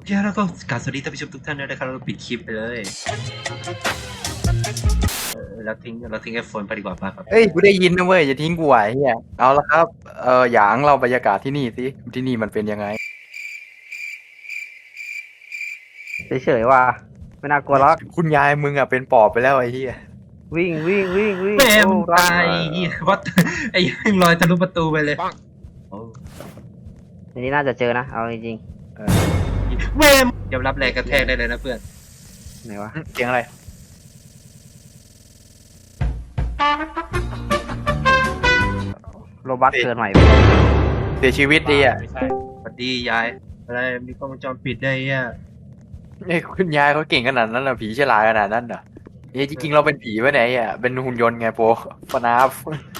แล้วก็กราบสวัสดีท่านผู้ชมทุกท่านด้วยนะครับเราปิดคลิปไปเลยเราทิ้งไอโฟนไปดีกว่าป่ะครับเอ้ยกูได้ยินนะเว้ยอย่าทิ้งกูไว้เฮียเอาละครับหยางเราบรรยากาศที่นี่สิที่นี่มันเป็นยังไงเฉยๆว่ะไม่น่ากลัวหรอกคุณยายมึงอ่ะเป็นปอบไปแล้วไอ้เฮียวิ่งแม่มึงโอ้ตายวัดไอ้ยังลอยทะลุประตูไปเลยโอ้อันนี้น่าจะเจอนะเอาจริงแม่ยอมรับแรงกระแทกได้เลยนะเพื่อนๆไหนวะเสียงอะไรโรบัสเกิดใหม่เสียชีวิตดีอ่ะสวัสดียายอะไรมีกล้องวงจรปิดได้อ่ะเอ้ยคุณยายเขาเก่งขนาดนั้นเหรอผีฉลาดขนาดนั้นเหรอเอ้ยจริงๆเราเป็นผีปะเนี่ยไอ้อ่ะเป็นหุ่นยนต์ไงโปฟนาฟ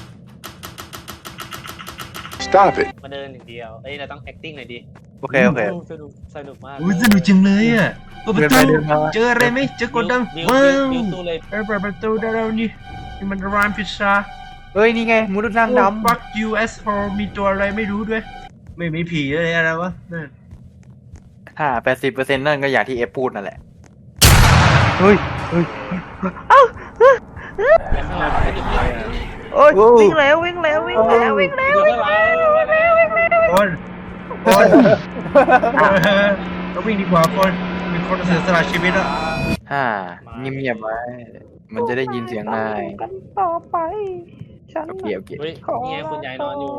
Stop it. มาเดินอย่างเดียว เอ้ย เราต้อง acting หน่อยดิโอเคสนุกมากอุ้ยสนุกจังเลยอ่ะเปิดประตูเดินมาเจออะไรไหมเจอกดดังวิวว้าววิวตู้เลยเปิดประตูได้แล้วนี่มันร้านพิซซ่าเฮ้ยนี่ไงมนุษย์นั่งดำ Fuck you as for มีตัวอะไรไม่รู้ด้วย ไม่มีผีเลยอะไรวะนั่น 80%นั่นก็อย่างที่เอฟพูดนั่นแหละเฮ้ยไปข้างหลังไปจุดเลยอ่ะโอ้ยโอ้วิ่งแล้วคนเราวิ่งดีกว่าคนมีคนเสียสละชีวิตแล้วเงียบๆไว้มันจะได้ยินเสียงนายกันต่อไปฉันโอเคโอเคเฮ้ยนี่ไงคุณยายนอนอยู่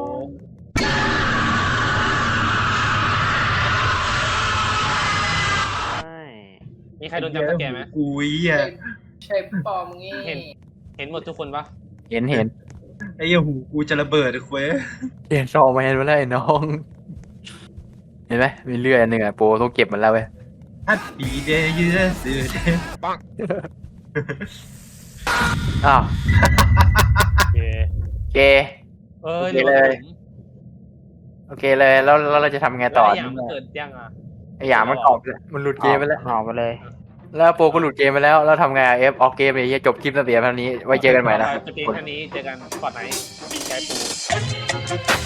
ใช่มีใครโดนจับตะแกรงไหมอุ้ยอ่ะใช่ปอมงี้เห็นหมดทุกคนปะเห็นไอ้เหี้ยหูกูจะระเบิดเลยเว้ยเห็นซอมาเห็นมาแล้วไอ้น้อง เห็นไหมมีเลื่อยอันหนึ่งอ่ะโปต้องเก็บมันแล้วเว้ย Happy day yesterday อ้าวโอเคโอเคเอ้ยโอเคเลย โอเคเลยแล้วเราจะทำไงต่ต่อออย่างมันเกิดยังอ่ะไอ้หยามันตอบเลยมันหลุดเกมไปแล้วออกไปเลยแล้วโปรก็หลุดเกมไปแล้วแล้วทำไงเอฟออกเกมเลยเหี้ยจบคลิปตั้งแต่เท่านี้ไว้เจอกันใหม่นะจะเพียงแค่นี้เจอกันก่อนไหนมีใจปู